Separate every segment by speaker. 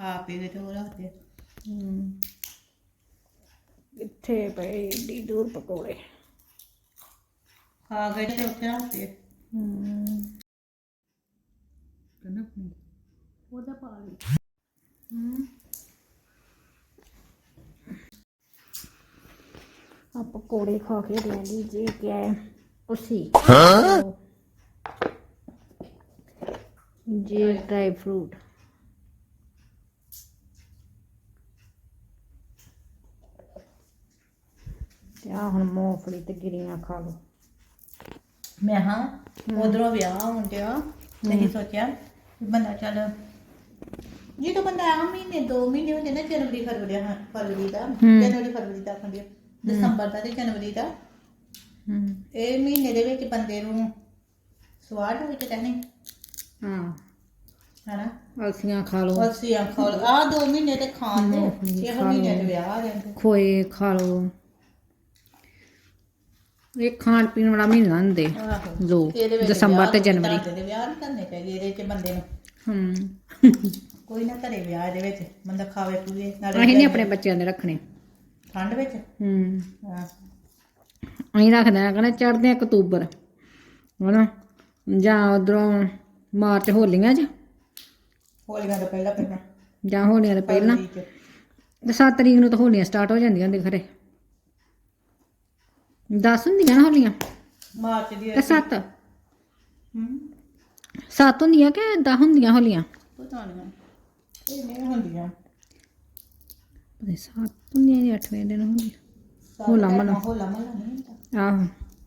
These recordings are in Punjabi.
Speaker 1: ਖਾ ਪੀ ਕੇ ਤੇ ਉਹ ਰੱਖਦੇ
Speaker 2: ਕਿੱਥੇ ਪਏ ਏਡੀ ਦੂਰ ਪਕੌੜੇ
Speaker 1: ਖਾ ਕੇ ਤੇ ਉੱਥੇ ਰੱਖਦੇ
Speaker 3: ਕਹਿੰਦਾ
Speaker 1: ਉਹਦਾ ਪਾ ਲਈ
Speaker 2: आप पकौड़े खा के ले लीजिए क्या है उसी ये ड्राई फ्रूट क्या हम मूंगफली ते गिरियां खा लो
Speaker 1: ਮੈਂ ਹਾਂ ਉਧਰੋਂ ਵਿਆਹ ਹੋਣ ਡਿਆ ਨਹੀਂ ਸੋਚਿਆ ਵੀ ਬੰਦਾ ਚੱਲ ਜਦੋਂ ਬੰਦਾ ਆ ਮਹੀਨੇ 2 ਮਹੀਨੇ ਹੁੰਦੇ ਨਾ ਜਨਵਰੀ ਫਰਵਰੀ ਦਾ ਤਾਂ ਖੰਡਿਆ ਦਸੰਬਰ ਦਾ ਤੇ ਜਨਵਰੀ ਦਾ ਇਹ ਮਹੀਨੇ ਦੇ ਵਿੱਚ ਬੰਦੇ ਨੂੰ ਸਵਾਦ ਹੋਈ ਤੇ ਕਹਿੰਦੇ
Speaker 2: हाँ
Speaker 1: ਹਨਾ
Speaker 2: अलसियां खा लो
Speaker 1: ਅਸੀਂ ਖਾ ਆ 2 ਮਹੀਨੇ ਤੇ ਖਾਣ ਦੇ 6 ਮਹੀਨੇ ਦੇ ਵਿਆਹ ਆ ਜਾਂਦੇ
Speaker 2: खोए खा लो ये खान पीन वाला महीना होंदे
Speaker 1: ਆਹੋ
Speaker 2: दो
Speaker 1: ਇਹਦੇ ਵਿੱਚ
Speaker 2: दसंबर ते
Speaker 1: ਵਿਆਹ
Speaker 2: जनवरी
Speaker 1: ਦੇ ਵਿਆਹ ਨਹੀਂ ਕਰਨੇ ਚਾਹੀਦੇ ਇਹਦੇ ਚ ਬੰਦੇ ਨੂੰ ਕੋਈ ਨਾ ਘਰੇ ਵਿਆਹ ਇਹਦੇ ਵਿੱਚ ਬੰਦਾ ਖਾਵੇ ਪੀਵੇ
Speaker 2: ਅਸੀਂ ਨਹੀਂ ਆਪਣੇ ਬੱਚਿਆਂ ਦੇ ਰੱਖਣੇ
Speaker 1: ਠੰਡ ਵਿੱਚ ਹਾਂ
Speaker 2: ਅਸੀਂ ਰੱਖਦੇ ਆ ਕਹਿੰਦੇ ਚੜ੍ਹਦੇ ਆ ਅਕਤੂਬਰ ਹਨਾ ਜਾਂ ਉਧਰੋਂ ਮਾਰਚ ਹੋਲੀਆਂ 'ਚ
Speaker 1: ਹੋਲੀਆਂ ਤੋਂ ਪਹਿਲਾਂ
Speaker 2: ਜਾਂ ਹੋਲੀਆਂ ਤੋਂ ਪਹਿਲਾਂ
Speaker 1: ਫਰਵਰੀ 'ਚ।
Speaker 2: ਤੇ 7 ਤਰੀਕ ਨੂੰ ਤਾਂ ਹੋਲੀਆਂ ਸਟਾਰਟ ਹੋ ਜਾਂਦੀਆਂ ਹੁੰਦੀਆਂ ਖਰੇ 10 ਹੁੰਦੀਆਂ ਨਾ ਹੋਲੀਆਂ
Speaker 1: ਮਾਰਚ ਦੀ
Speaker 2: ਤੇ 7 7 ਹੁੰਦੀਆਂ ਕਿ 10 ਹੁੰਦੀਆਂ ਹੋਲੀਆਂ
Speaker 1: ਪਤਾ ਨਹੀਂ ਇਹ ਨਹੀਂ ਹੁੰਦੀਆਂ
Speaker 2: ਪਤਾ 7 ਹੁੰਦੀਆਂ ਜਾਂ 8ਵੇਂ ਦਿਨ ਹੁੰਦੀਆਂ ਹੋਲਾ ਮਹੱਲਾ
Speaker 1: ਨਹੀਂ ਹੁੰਦਾ
Speaker 2: ਆਹੋ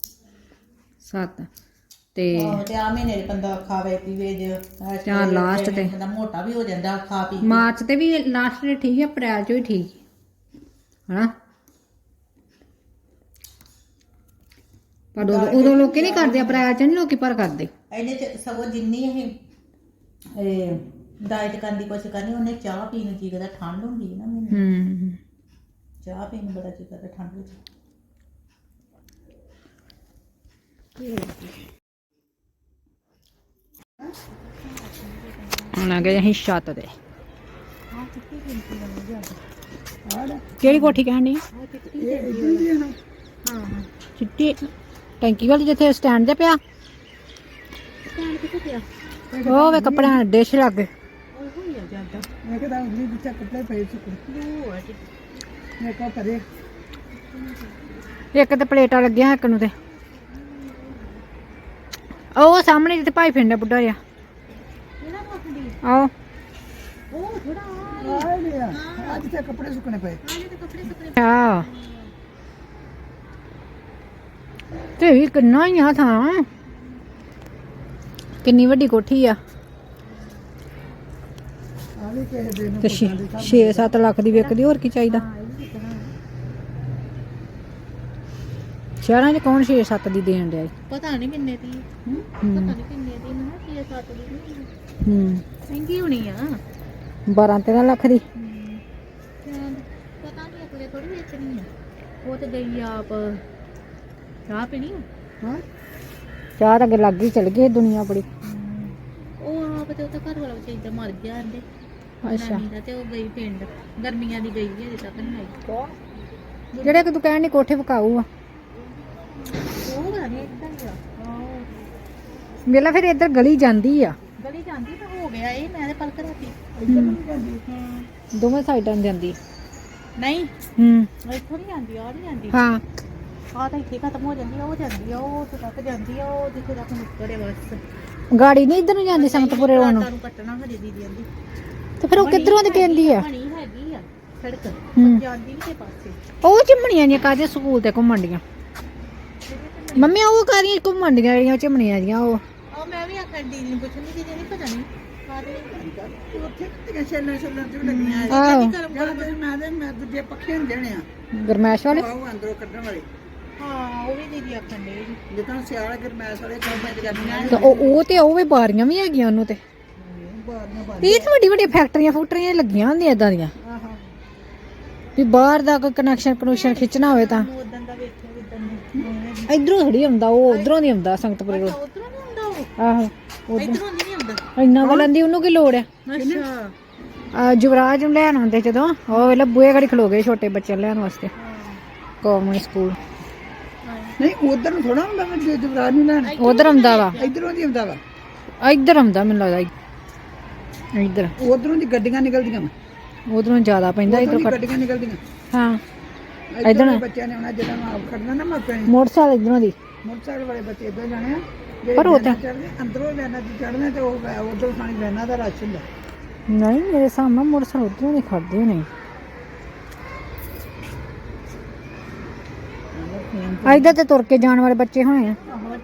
Speaker 2: 7 ਤੇ
Speaker 1: ਆਹੋ ਤੇ ਆ ਮਹੀਨੇ ਦੇ ਬੰਦਾ ਖਾਵੇ ਪੀਵੇ ਜੇ
Speaker 2: ਜਾਂ ਲਾਸਟ ਤੇ
Speaker 1: ਬੰਦਾ ਮੋਟਾ ਵੀ ਹੋ ਜਾਂਦਾ ਖਾ ਪੀ ਕੇ।
Speaker 2: ਮਾਰਚ ਤੇ ਵੀ ਲਾਸਟ ਤੇ ਠੀਕ ਹੈ ਅਪ੍ਰੈਲ 'ਚ ਵੀ ਠੀਕ ਹਨਾ ਪਰ ਉਦੋਂ ਲੋਕੀ ਨਹੀਂ ਕਰਦੇ ਅਪ੍ਰੈਲ 'ਚ ਨਹੀਂ ਲੋਕੀ ਪਰ ਕਰਦੇ
Speaker 1: ਇਹਨੇ ਚ ਸਗੋਂ ਜਿੰਨੀ ਇਹ ਡਾਈਟ ਕਰਨ ਦੀ ਕੋਸ਼ਿਸ਼ ਕਰਨੀ ਉਹਨੇ ਚਾਹ ਪੀਣ ਨੂੰ ਜੀ ਕਰਦਾ ਠੰਡ ਹੁੰਦੀ ਹੈ ਨਾ ਮੈਨੂੰ ਚਾਹ ਪੀਣ ਨੂੰ ਬੜਾ ਜੀ ਕਰਦਾ ਠੰਡ ਵਿੱਚ
Speaker 2: ਹੁਣ ਆ ਗਏ ਅਸੀਂ ਛੱਤ ਤੇ ਕਿਹੜੀ ਕੋਠੀ ਕਹਿਣੀ ਚਿੱਟੀ ਟੈਂਕੀ ਵਾਲੀ ਜਿੱਥੇ ਸਟੈਂਡ ਤੇ ਪਿਆ ਉਹ ਵੇ ਕੱਪੜਿਆਂ ਦੇ ਡਿਸ਼ ਲੱਗ ਗਏ
Speaker 3: ਮੈਂ ਕਹਿੰਦਾ ਉਗਲੀ ਵਿੱਚ ਕੱਪੜੇ ਪਏ ਸੁੱਕ ਮੈਂ ਕਹ ਕਰੇ
Speaker 2: ਇੱਕ ਤੇ ਪਲੇਟਾਂ ਲੱਗੀਆਂ ਇੱਕ ਨੂੰ ਤੇ ਉਹ ਸਾਹਮਣੇ ਜਿੱਥੇ ਭਾਈ ਫਿੰਡਾ ਬੁੱਢਾ ਜਿਹਾ ਆਓ
Speaker 1: ਉਹ ਥੋੜਾ
Speaker 3: ਆ ਲਿਆ ਅੱਜ ਤੇ ਕੱਪੜੇ ਸੁੱਕਣੇ ਪਏ
Speaker 2: ਆ ਤੇ ਵੀ ਕਿੰਨਾ ਹੀ ਆ ਥਾਂ ਕਿੰਨੀ ਵੱਡੀ ਕੋਠੀ ਆ
Speaker 3: ਆ ਵੀ ਕਿਸੇ ਦਿਨ
Speaker 2: ਤੇ 6-7 ਲੱਖ ਦੀ ਵਿਕਦੀ ਹੋਰ ਕੀ ਚਾਹੀਦਾ ਸ਼ਹਿਰਾਂ 'ਚ ਕੌਣ 6-7 ਦੀ ਦੇਣ ਡਿਆ
Speaker 1: ਪਤਾ ਨਹੀਂ ਕਿੰਨੇ ਦੀ ਪਤਾ ਨਹੀਂ ਕਿੰਨੇ ਦੀ ਨਾ 6-7 ਦੀ ਮਹਿੰਗੀ ਹੋਣੀ ਆ
Speaker 2: 12-13 ਲੱਖ ਦੀ
Speaker 1: ਪਤਾ ਨਹੀਂ ਅਗਲੇ ਥੋੜੀ ਵੇਚਣੀ ਆ ਉਹ ਤੇ ਗਈ ਆਪ ਚਾਹ ਪੀਣੀ
Speaker 3: ਹਾਂ
Speaker 2: ਚਾਹ ਤਾਂ ਅੱਗੇ ਲੱਗ ਹੀ ਚਲ ਗਈ ਦੁਨੀਆ ਬੜੀ
Speaker 1: ਉਹ ਆਪ ਤੇ ਉਹਦਾ ਘਰ ਵਾਲਾ ਵਿਚਾਰੀ ਮਰ ਗਿਆ ਆਂਦੇ
Speaker 2: ਅੱਛਾ
Speaker 1: ਦਾ ਤੇ ਉਹ ਗਈ ਪਿੰਡ ਗਰਮੀਆਂ ਦੀ ਗਈ ਹੈ ਅਜੇ ਤੱਕ ਨਹੀਂ ਆਈ
Speaker 2: ਜਿਹੜੇ ਕਿ ਤੂੰ ਕਹਿਣ ਦੀ ਕੋਠੇ ਪਕਾਊ ਆ
Speaker 1: ਉਹ ਪਤਾ ਨਹੀਂ ਇੱਦਾਂ ਹੀ ਆ
Speaker 2: ਮੇਲਾ ਫਿਰ ਇੱਧਰ ਗਲੀ ਜਾਂਦੀ ਆ
Speaker 1: ਗਲੀ ਜਾਂਦੀ ਤਾਂ ਹੋ ਗਿਆ ਇਹ ਮੈਂ ਤੇ ਪਲਕ ਰਾਤੀ
Speaker 2: ਦੋਵੇਂ ਸਾਈਡਾਂ ਨੂੰ ਜਾਂਦੀ
Speaker 1: ਨਹੀਂ ਇੱਥੋਂ ਨਹੀਂ ਜਾਂਦੀ ਆ ਨਹੀਂ ਜਾਂਦੀ
Speaker 2: ਹਾਂ
Speaker 1: ਆ ਤਾਂ ਇੱਥੇ ਖਤਮ ਹੋ ਜਾਂਦੀ ਆ ਉਹ ਜਾਂਦੀ ਆ ਉਹ ਉੱਥੇ ਤੱਕ ਜਾਂਦੀ ਆ ਉਹ ਜਿੱਥੇ ਤੱਕ ਮੁੱਕੜੇ ਬਸ
Speaker 2: ਗਾੜੀ ਨਹੀਂ ਇੱਧਰ ਨੂੰ ਜਾਂਦੀ ਸੰਗਤਪੁਰੇ ਰੋਡ ਨੂੰ
Speaker 1: ਨੂੰ ਕੱਟਣਾ ਹਜੇ ਦੀਦੀ ਜਾਂਦੀ
Speaker 2: ਤੇ ਫਿਰ ਉਹ ਕਿੱਧਰੋਂ ਦੀ ਕਹਿੰਦੀ ਆ
Speaker 1: ਬਣੀ ਹੈਗੀ ਆ ਸੜਕ ਜਾਂਦੀ ਨਹੀਂ ਤੇ ਪਾਸੇ
Speaker 2: ਉਹ ਚਿਮਣੀਆਂ ਦੀਆਂ ਕਾਹਦੇ ਸਕੂਲ ਤੇ ਘੁੰਮਣ ਡੀਆਂ ਮੰਮੀ ਉਹ ਕਾਹਦੀਆਂ ਘੁੰਮਣ ਡੀਆਂ ਜਿਹੜੀਆਂ ਚਿਮਣੀਆਂ ਦੀਆਂ ਉਹ
Speaker 1: ਆ ਮੈਂ ਵੀ ਆਖਣ ਦੀਦੀ ਨੂੰ ਪੁੱਛਣੀ ਦੀਦੀ ਨਹੀਂ ਪਤਾ ਨਹੀਂ ਕਾਹਦੇ
Speaker 3: ਉੱਥੇ ਕਿਤੇ ਛੇਲਣ ਚ ਲੱਗੀਆਂ
Speaker 2: ਆਹੋ
Speaker 3: ਮੈਂ ਦੂਜੇ ਪੱਖੇ ਹੁੰਦੇ ਨੇ ਆ
Speaker 2: ਗਰਮੈਸ਼ ਵਾਲੇ
Speaker 3: ਉਹ ਅੰਦਰੋਂ ਕੱਢਣ ਵਾਲੇ
Speaker 1: ਹਾਂ ਉਹ ਵੀ ਦੀਦੀ ਆਖਣ ਦੇ
Speaker 3: ਜਿੱਦਾਂ ਸਿਆਲ ਗਰਮੈਸ ਵਾਲੇ ਕੰਮ ਤੇ ਜਾਂਦੀਆਂ
Speaker 2: ਤੇ ਉਹ ਤੇ ਉਹ ਵੀ ਬਾਰੀਆਂ ਵੀ ਹੈਗੀਆਂ ਉਹਨੂੰ ਤੇ
Speaker 3: ਬਾਹਰ
Speaker 2: ਇਹ ਤਾਂ ਵੱਡੀ ਵੱਡੀ ਫੈਕਟਰੀਆਂ ਲੱਗੀਆਂ ਹੁੰਦੀਆਂ ਇਦਾਂ ਦੀਆਂ
Speaker 3: ਆਹਾਂ
Speaker 2: ਵੀ ਬਾਹਰ ਦਾ ਕੋਈ ਕਨੈਕਸ਼ਨ ਖਿੱਚਣਾ ਹੋਵੇ ਤਾਂ
Speaker 1: ਉਦੋਂ ਦਾ ਵੇਖਿਆ ਉਦੋਂ
Speaker 2: ਇਧਰੋਂ ਥੋੜੀ ਆਉਂਦਾ ਉਹ ਉਧਰੋਂ ਨਹੀਂ ਆਉਂਦਾ ਸੰਗਤਪੁਰੇ ਰੋਡ
Speaker 1: ਉਧਰੋਂ ਨਹੀਂ ਹੁੰਦਾ ਉਹ
Speaker 2: ਆਹੋ
Speaker 1: ਇਧਰੋਂ ਨਹੀਂ ਆਉਂਦਾ
Speaker 2: ਇੰਨਾ ਵਾਲਾਂ ਦੀ ਉਹਨੂੰ ਕੀ ਲੋੜ ਆ
Speaker 1: ਅੱਛਾ
Speaker 2: ਯੁਵਰਾਜ ਨੂੰ ਲੈਣ ਆਉਂਦੇ ਜਦੋਂ ਉਹ ਵੇਲੇ ਬੂਹੇ ਘੜੀ ਖਲੋ ਗਏ ਛੋਟੇ ਬੱਚੇ ਲੈਣ ਵਾਸਤੇ ਕੌਮਿਕ ਸਕੂਲ
Speaker 3: ਨਹੀਂ ਉਧਰ ਨੂੰ ਥੋੜਾ ਹੁੰਦਾ ਮੈਂ ਜਵਰਾਜ ਨੂੰ ਲੈਣ
Speaker 2: ਉਧਰ ਆਉਂਦਾ ਵਾ
Speaker 3: ਇਧਰੋਂ ਦੀ ਆਉਂਦਾ ਵਾ
Speaker 2: ਇੱਧਰ ਆਉਂਦਾ ਮੈਨੂੰ ਲੱਗਦਾ ਇੱਧਰ
Speaker 3: ਉਧਰੋਂ ਦੀ ਗੱਡੀਆਂ ਨਿਕਲਦੀਆਂ ਵਾ
Speaker 2: ਉਧਰੋਂ ਜ਼ਿਆਦਾ ਪੈਂਦਾ
Speaker 3: ਉਧਰੋਂ
Speaker 2: ਇੱਧਰ
Speaker 3: ਦੀ ਗੱਡੀਆਂ ਨਿਕਲਦੀਆਂ
Speaker 2: ਹਾਂ
Speaker 3: ਇੱਧਰ ਦੇ ਬੱਚਿਆਂ ਨੇ ਆਉਣਾ ਜਦੋਂ ਆਪ ਖੜਨਾ ਨਾ ਮਾਪਿਆਂ ਨੇ
Speaker 2: ਮੋਟਰਸਾਈਕਲ ਇੱਧਰੋਂ ਦੀ
Speaker 3: ਮੋਟਰਸਾਈਕਲ ਵਾਲੇ ਬੱਚੇ ਇੱਧਰ ਜਾਣੇ ਆ ਜਿਹੜੇ
Speaker 2: ਪਰ ਉਹ ਤਾਂ
Speaker 3: ਚੜ੍ਹਦੇ ਅੰਦਰੋਂ ਵੈਨਾਂ 'ਚ ਚੜ੍ਹਨੇ ਤੇ ਉਹ ਉਧਰੋਂ ਸਾਡੀ ਵੈਨਾਂ ਦਾ ਰਸ਼ ਹੁੰਦਾ
Speaker 2: ਨਹੀਂ ਮੇਰੇ ਸਾਹਮਣੇ ਮੋਟਰਸਾਈਕਲ ਉੱਧਰੋਂ ਨਹੀਂ ਖੜਦੇ ਨਹੀਂ ਇੱਧਰ ਤੇ ਤੁਰ ਕੇ ਜਾਣ ਵਾਲੇ ਬੱਚੇ ਹੋਣੇ ਆ
Speaker 1: ਮੈਂ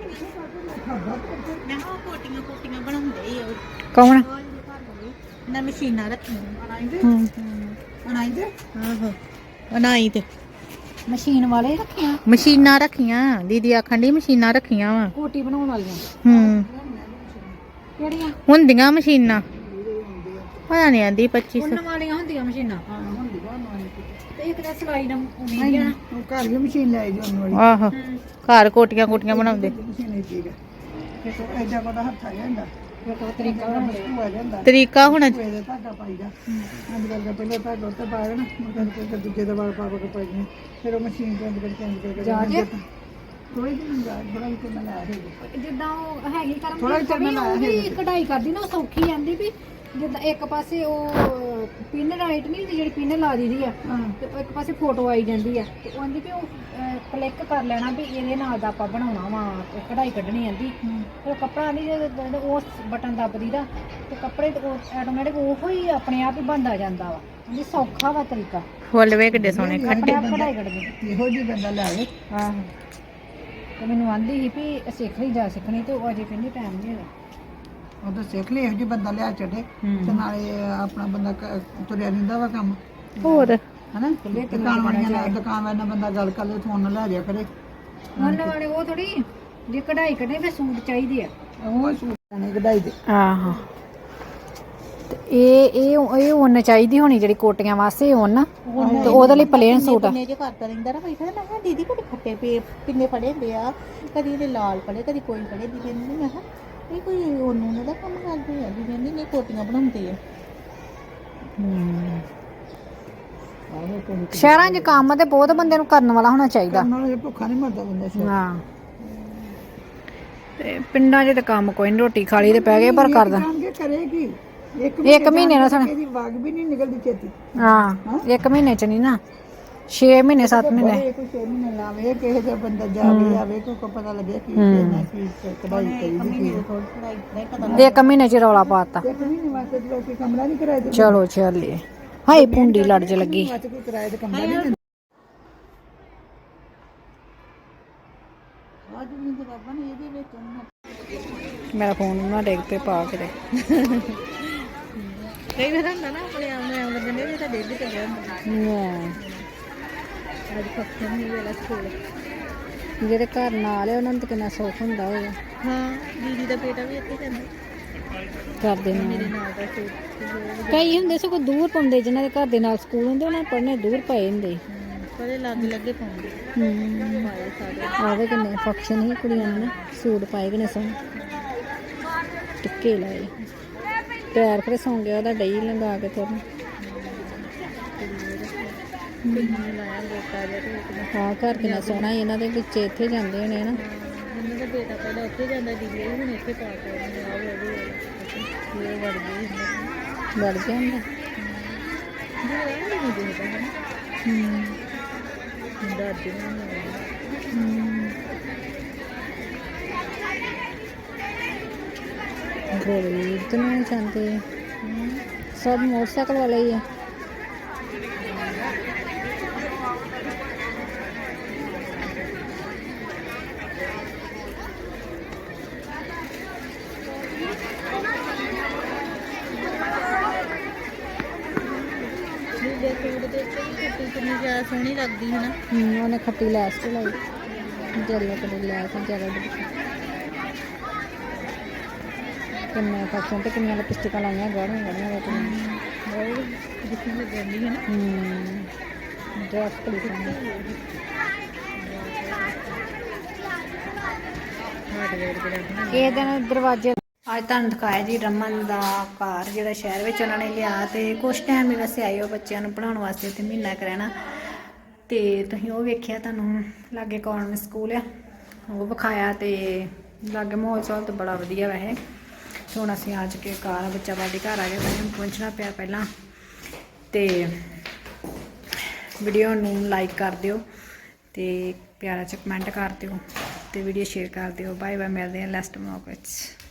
Speaker 1: ਉਹ ਕੋਟੀਆਂ ਬਣਾਉਂਦੇ ਹੀ ਆ
Speaker 2: ਕੌਣ
Speaker 1: ਨਾ ਮਸ਼ੀਨਾਂ ਰੱਖੀਆਂ
Speaker 2: ਹੂੰ
Speaker 3: ਅਣਾਈ ਦੇ
Speaker 1: ਆਹੋ ਬਣਾਈ ਤੇ
Speaker 2: ਮਸ਼ੀਨ ਵਾਲੇ ਰੱਖਿਆ
Speaker 1: ਮਸ਼ੀਨਾਂ ਰੱਖੀਆਂ ਦੀਦੀ ਆਖਣ ਦੀ ਮਸ਼ੀਨਾਂ ਰੱਖੀਆਂ ਵਾ
Speaker 2: ਕੋਟੀ ਬਣਾਉਣ ਵਾਲੀਆਂ
Speaker 1: ਹੂੰ
Speaker 2: ਕਿਹੜੀਆਂ
Speaker 1: ਹੁੰਦੀਆਂ ਮਸ਼ੀਨਾਂ ਪਤਾ ਨਹੀਂ ਆਂਦੀ 2500
Speaker 2: ਉਹਨਾਂ ਵਾਲੀਆਂ ਹੁੰਦੀਆਂ ਮਸ਼ੀਨਾਂ
Speaker 3: ਹਾਂ ਹੁੰਦੀਆਂ
Speaker 2: ਤੇ ਇੱਕ ਤਾਂ ਸਿਲਾਈ ਦਾ ਉਮੀਦ ਆ
Speaker 3: ਉਹ ਘਰ ਵੀ ਮਸ਼ੀਨ ਲੈ ਜੀ ਉਹਨਾਂ ਵਾਲੀ
Speaker 1: ਆਹੋ ਘਰ ਕੋਟੀਆਂ ਬਣਾਉਂਦੇ
Speaker 3: ਮਸ਼ੀਨ ਹੀ ਠੀਕ ਹੈ ਕਿ ਤੋ ਐਡਾ ਕੋਦਾ ਹੱਥ ਆ ਜਾਂਦਾ
Speaker 2: ਇੱਕ ਉਹ ਤਰੀਕਾ ਬਣਾਉਂਦੇ ਆ।
Speaker 3: ਹੋ ਜਾਂਦਾ
Speaker 1: ਤਰੀਕਾ ਹੁਣ
Speaker 3: ਕੋਈ ਦਾ ਧਾਗਾ ਪਾਈਦਾ ਅੱਜ ਕੱਲ੍ਹ ਦਾ ਪਹਿਲਾਂ ਧਾਗਾ ਉੱਤੇ ਪਾਇਆ ਨਾ ਮੁਰਗਾ ਕੋਈ ਦੂਜੇ ਦਾ ਵਾਲ ਪਾ ਕੇ ਪਾਈਏ ਫਿਰ ਉਹ ਮਸ਼ੀਨ ਤੋਂ ਅੰਦਰ ਚੇਂਜ ਕਰਕੇ
Speaker 2: ਜਾਜ?
Speaker 3: ਥੋੜੀ ਜਿਹੀ ਜਾ ਬੜਾ ਵੀ ਮੈਂ ਲਾਇਆ ਹੈ
Speaker 2: ਜਿੱਦਾਂ ਉਹ ਹੈਗੀ ਕਰਮ
Speaker 3: ਥੋੜ੍ਹਾ ਜਿਹਾ ਮੈਂ ਲਾਇਆ
Speaker 2: ਉਹ ਵੀ
Speaker 3: ਹੈ।
Speaker 2: ਕਢਾਈ ਕਰਦੀ ਨਾ ਉਹ ਸੌਖੀ ਆਂਦੀ ਵੀ ਜਿੱਦਾਂ ਇੱਕ ਪਾਸੇ ਉਹ ਪਿੰਨ ਰਾਈਟ ਨਹੀਂ ਹੁੰਦੀ ਜਿਹੜੀ ਪਿੰਨ ਲਾ ਦੀਦੀ ਆ
Speaker 3: ਹਾਂ
Speaker 2: ਤੇ ਉਹ ਇੱਕ ਪਾਸੇ ਫੋਟੋ ਆਈ ਜਾਂਦੀ ਆ ਤੇ ਉਹ ਆਂਦੀ ਵੀ ਉਹ ਕਲਿੱਕ ਕਰ ਲੈਣਾ ਵੀ ਇਹਦੇ ਨਾਲ ਦਾ ਆਪਾਂ ਬਣਾਉਣਾ ਵਾ ਕਢਾਈ ਕੱਢਣੀ ਆਂਦੀ ਫਿਰ ਕੱਪੜਾ ਨਹੀਂ ਜਦੋਂ ਉਸ ਬਟਨ ਦੱਬਦੀ ਦਾ ਤੇ ਕੱਪੜੇ ਤੇ ਆਟੋਮੈਟਿਕ ਉਹੋ ਹੀ ਆਪਣੇ ਆਪ ਹੀ ਬਣਦਾ ਜਾਂਦਾ ਵਾ ਇਹ ਸੌਖਾ ਵਾ ਤਰੀਕਾ
Speaker 1: ਫੁੱਲ ਵੇ ਕਿੱਡੇ ਸੋਹਣੇ
Speaker 2: ਆਪਣੇ ਆਪ ਕਢਾਈ ਕੱਢਦੀ
Speaker 3: ਇਹੋ ਜਿਹੀ ਬੰਦਾ ਲਾਵੇ
Speaker 2: ਆਹੋ ਤੇ ਮੈਨੂੰ ਆਂਦੀ ਸੀ ਵੀ ਸਿੱਖ ਲਈ ਜਾ ਸਿੱਖਣੀ ਤੇ ਉਹ ਅਜੇ ਕਹਿੰਦੀ ਟਾਈਮ ਨਹੀਂ ਹੈਗਾ
Speaker 3: ਉਹ ਤਾਂ ਸਿੱਖ ਲਈ ਇਹੋ ਜਿਹੀ ਬੰਦਾ ਲਿਆ ਛੱਡੇ ਤੇ ਨਾਲੇ ਆਪਣਾ ਬੰਦਾ ਤੁਰਿਆ ਰਹਿੰਦਾ ਵਾ ਕੰਮ
Speaker 1: ਹੋਰ
Speaker 3: ਹਨਾ ਦੁਕਾਨ ਵਾਲੀਆਂ ਨਾਲ ਦੁਕਾਨ ਵਾਲਿਆਂ ਨਾਲ ਬੰਦਾ ਗੱਲ ਕਰ ਲੇ ਫੋਨ ਨਾਲ ਲੈ ਜਾ ਕਰੇ
Speaker 2: ਉਹਨਾਂ ਵਾਲੇ ਉਹ ਥੋੜੀ ਜੇ ਕਢਾਈ ਕੱਢਣੀ ਫਿਰ ਸੂਟ ਚਾਹੀਦੇ ਆ
Speaker 3: ਉਹ ਸੂਟ ਨੇ ਕਢਾਈ ਦੇ
Speaker 2: ਆਹੋ ਤੇ ਇਹ ਉਹਨ ਚਾਹੀਦੀ ਹੋਣੀ ਜਿਹੜੀ ਕੋਟੀਆਂ ਵਾਸਤੇ ਉਹਨ ਤੇ ਉਹਦੇ ਲਈ ਪਲੇਨ ਸੂਟ ਆ
Speaker 1: ਪਿੰਨੇ ਜੇ ਕਰਦਾ ਰਹਿੰਦਾ ਨਾ ਬੈਠਾ ਮੈਂ ਕਿਹਾ ਦੀਦੀ ਕੋਈ ਖੱਟੇ ਪਿੰਨੇ ਫੜੇ ਹੁੰਦੇ ਆ ਕਦੀ ਇਹਦੇ ਲਾਲ ਫੜੇ ਕਦੀ ਕੋਈ ਫੜੇ ਦੀ ਕਹਿੰਦੀ ਮੈਂ ਕਿਹਾ ਇਹ ਕੋਈ ਉਹਨੂੰ ਦਾ ਕੰਮ ਕਰਦੇ ਆ ਦੀ ਕਹਿੰਦੀ ਨਹੀਂ ਕੋਟੀਆਂ ਬਣਾਉਂਦੇ ਆ
Speaker 2: ਸ਼ਹਿਰਾਂ 'ਚ ਕੰਮ ਤੇ ਬਹੁਤ ਬੰਦੇ ਨੂੰ ਕਰਨ ਵਾਲਾ ਹੋਣਾ ਚਾਹੀਦਾ
Speaker 3: ਨਾਲ ਭੁੱਖਾ ਨਹੀਂ ਮਰਦਾ ਬੰਦਾ ਸ਼ਾਇਦ
Speaker 2: ਹਾਂ ਤੇ ਪਿੰਡਾਂ 'ਚ ਤੇ ਕੰਮ ਕੋਈ ਨਹੀਂ ਰੋਟੀ ਖਾ ਲਈ ਤੇ ਪੈ ਗਏ ਪਰ ਕਰਦਾ
Speaker 3: ਜਾਣ ਕੇ ਕਰੇਗੀ
Speaker 2: ਇੱਕ ਮਹੀਨੇ ਨਾਲ ਸਾਨੂੰ
Speaker 3: ਇਹਦੀ ਵਾਗ ਵੀ ਨਹੀਂ ਨਿਕਲਦੀ ਛੇਤੀ
Speaker 2: ਹਾਂ ਇੱਕ ਮਹੀਨੇ 'ਚ ਨਹੀਂ ਨਾ 6 ਮਹੀਨੇ 7 ਮਹੀਨੇ
Speaker 3: ਇਹ ਕੋਈ 6 ਮਹੀਨੇ ਲਾਵੇ ਕਿਸੇ ਦਾ ਬੰਦਾ ਜਾਵੇ ਆਵੇ ਕੋਈ ਪਤਾ ਲੱਗੇ ਕਿ ਇਹਨਾਂ ਕੀ ਕਢਾਈ ਕਰੀਦੀ ਕੀ
Speaker 2: ਇੱਕ ਮਹੀਨੇ 'ਚ ਰੌਲਾ ਪਾਤਾ
Speaker 3: ਇੱਕ ਮਹੀਨੇ ਵਾਸਤੇ ਤੇ ਲੋਕੀ ਕਮਰਾ ਨਹੀਂ ਕਿਰਾਏ ਤੇ
Speaker 2: ਚਲੋ ਚੱਲੀਏ ਹਾਏ ਪੁੰਡੀ ਲੜ ਜ ਲੱਗੀ
Speaker 3: ਵਾਸਤੇ ਕੋਈ ਕਿਰਾਏ ਤੇ ਕਮਰਾ ਨਹੀਂ ਦਿੰਦਾ ਅੱਜ ਵੀ ਤੇ ਬਾਬਾ ਨੇ ਇਹਦੇ ਵਿੱਚ ਉਹਨਾਂ
Speaker 2: ਮੇਰਾ ਫੋਨ ਨਾ ਡਿੱਗ ਪੇ ਪਾ ਕੇ ਤੇ
Speaker 1: ਕਈ ਵਾਰ ਹੁੰਦਾ ਨਾ ਆਪਣੇ ਆਪ ਨੂੰ ਆਉਂਦੇ ਨੇ ਤਾਂ ਡੇਢ ਤੇ ਗਿਆ ਹੁੰਦਾ ਅੱਜ ਫੰਕਸ਼ਨ ਨਹੀਂ ਵੇਲਾ ਸਕੂਲ
Speaker 2: ਜਿਹੜੇ ਘਰ ਨਾਲ ਆ ਉਹਨਾਂ ਨੂੰ ਤਾਂ ਕਿੰਨਾ ਸੁੱਖ ਹੁੰਦਾ ਹੋਵੇਗਾ
Speaker 1: ਹਾਂ ਦੀਦੀ ਦਾ ਬੇਟਾ ਵੀ ਇੱਥੇ ਜਾਂਦਾ
Speaker 2: ਕਰਦੇ
Speaker 1: ਮੇਰੇ
Speaker 2: ਨਾਲ
Speaker 1: ਨਾਲ ਦਾ ਸੂਟ
Speaker 2: ਕਈ ਹੁੰਦੇ ਸਗੋਂ ਦੂਰ ਪਾਉਂਦੇ ਜਿਨ੍ਹਾਂ ਦੇ ਘਰ ਦੇ ਨਾਲ ਸਕੂਲ ਹੁੰਦੇ ਉਹਨਾਂ ਨੂੰ ਪੜ੍ਹਨੇ ਦੂਰ ਪਏ ਹੁੰਦੇ
Speaker 1: ਪਰ ਇਹ ਲੱਗੇ ਪਾਉਂਦੇ ਪਾਏ ਸਾਰੇ
Speaker 2: ਆਵੇ ਕਿੰਨੇ ਫੰਕਸ਼ਨ ਹੀ ਕੁੜੀਆਂ ਨੇ ਨਾ ਸੂਟ ਪਾਏ ਕਿੰਨੇ ਸੋਹਣੇ ਟਿੱਕੇ ਲਾਏ ਪੈਰ ਫਿਰ ਸੌਂ ਗਿਆ ਉਹਦਾ ਡਈ ਲੰਗਾ ਕੇ ਤੁਰਨ
Speaker 1: ਲਾਇਆ ਗੋਟਾ ਜਿਹਾ ਤੇ ਇੱਕ
Speaker 2: ਹਾਂ ਘਰ ਕਿੰਨਾ ਸੋਹਣਾ ਸੀ ਇਹਨਾਂ ਦੇ ਵਿੱਚ ਇੱਥੇ ਜਾਂਦੇ ਹੋਣੇ ਨਾ
Speaker 1: ਉਹਨਾਂ ਦਾ ਬੇਟਾ ਪਹਿਲਾਂ ਉੱਥੇ ਜਾਂਦਾ ਦੀਦੀ ਉਹ ਹੁਣ ਇੱਥੇ ਪਾ ਕੇ ਆਉਂਦੇ ਆ ਉਹ ਵੜ ਗਈ
Speaker 2: ਵੜ ਗਿਆ ਹੁੰਦਾ
Speaker 1: ਨਹੀਂ ਦੇਖਦਾ ਹੈ ਦਾਦੀ
Speaker 2: ਗੋਲੀ ਇਤਨੇ ਜਾਂਦੇ ਸਭ ਮੋਟਰਸਾਈਕਲ ਵਾਲੇ ਹੀ ਆ
Speaker 1: ਕਿੰਨੀ ਜ਼ਿਆਦਾ ਸੋਹਣੀ ਲੱਗਦੀ ਹੈ ਨਾ
Speaker 2: ਉਹਨੇ ਖੱਟੀ ਲੈਸ ਤੇ ਲਾਈ ਜੈਲੋ ਕਲਰ ਲੈਸ ਜੈਲੋ ਦੇ ਕਿੰਨੇ ਫੰਕਸ਼ਨ ਤੇ ਕਿੰਨੀਆਂ ਲਿਪਸਟਿਕਾਂ ਲਾਈਆਂ ਗਾੜੀਆਂ ਗਾੜੀਆਂ ਵਿੱਚ
Speaker 1: ਬਹੁਤ ਜਿੱਥੇ ਲੱਗਦੀ ਹੈ ਨਾ
Speaker 2: ਡਰੈਸ ਕਲੀ
Speaker 1: ਹਾਰਡਵੇਅਰ ਦੇ ਲੱਗਣਾ
Speaker 2: ਇਹ ਦਿਨ ਦਰਵਾਜ਼ੇ ਅੱਜ ਤੁਹਾਨੂੰ ਦਿਖਾਇਆ ਜੀ ਰਮਨ ਦਾ ਘਰ ਜਿਹੜਾ ਸ਼ਹਿਰ ਵਿੱਚ ਉਹਨਾਂ ਨੇ ਲਿਆ ਤੇ ਕੁਛ ਟਾਈਮ ਹੀ ਵੈਸੇ ਆਏ ਉਹ ਬੱਚਿਆਂ ਨੂੰ ਪੜ੍ਹਾਉਣ ਵਾਸਤੇ ਤੇ ਮਹੀਨਾ ਕੁ ਰਹਿਣਾ ਤੇ ਤੁਸੀਂ ਉਹ ਵੇਖਿਆ ਤੁਹਾਨੂੰ ਲਾਗੇ ਕੌਨਵੈਂਟ ਸਕੂਲ ਆ ਉਹ ਵਿਖਾਇਆ ਤੇ ਲਾਗੇ ਮਾਹੌਲ ਚਾਲ ਤਾਂ ਬੜਾ ਵਧੀਆ ਵੈਸੇ ਤੇ ਹੁਣ ਅਸੀਂ ਅੱਜ ਕੇ ਘਰ ਬੱਚਾ ਸਾਡੇ ਘਰ ਆ ਗਿਆ ਮੈਨੂੰ ਪਹੁੰਚਣਾ ਪਿਆ ਪਹਿਲਾਂ ਤੇ ਵੀਡੀਓ ਨੂੰ ਲਾਈਕ ਕਰ ਦਿਓ ਤੇ ਪਿਆਰਾ ਜਿਹਾ ਕਮੈਂਟ ਕਰ ਦਿਓ ਤੇ ਵੀਡੀਓ ਸ਼ੇਅਰ ਕਰ ਦਿਓ ਬਾਏ ਬਾਏ ਮਿਲਦੇ ਹਾਂ ਨੈਕਸਟ ਵਲੌਗ ਵਿੱਚ।